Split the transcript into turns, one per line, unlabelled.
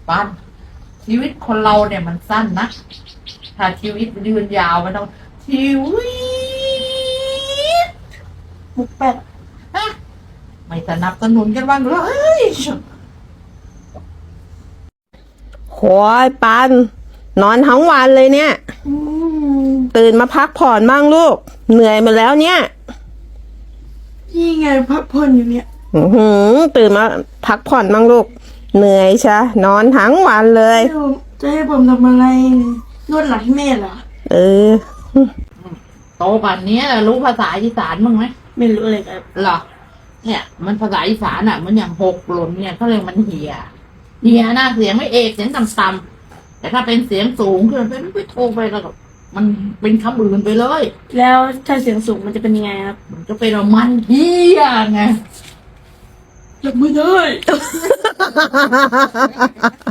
ปั้นชีวิตคนเราเนี่ยมันสั้นนะถ้าชีวิตยืนยาวมันต้องชีวิต
มุกแป๊ด
ฮะไม่สนับสนุนกันบ้างเลย
โหยปันนอนทั้งวันเลยเนี่ย ตื่นมาพักผ่อนบ้างลูก เหนื่อยมาแล้วเนี่ย
นี่ไงพักผ่อนอยู่เนี่ย
ตื่นมาพักผ่อนบ้างลูก เหนื่อยใช่นอนทั้งวันเลย
จะให้ผมทำอะไรนวดหลังให้แม่เหรอ
เออ
โตป่านนี้รู้ภาษาอีสานบ้างไหม
ไม่รู้เลยครับ
เหรอเนี่ยมันภาษาอีสานอ่ะมันอย่างหกหล่นเนี่ยเขาเรียกมันเหี่ยนะเสียงไม่เอกเสียงต่ำๆแต่ถ้าเป็นเสียงสูงขึ้นไปโทรไปแล้วก็มันเป็นคำอื่นไปเลย
แล้วถ้าเสียงสูงมันจะเป็นยังไงครับ
มันจะเป็นว่ามันเหี่ยไง
รับไม่ได้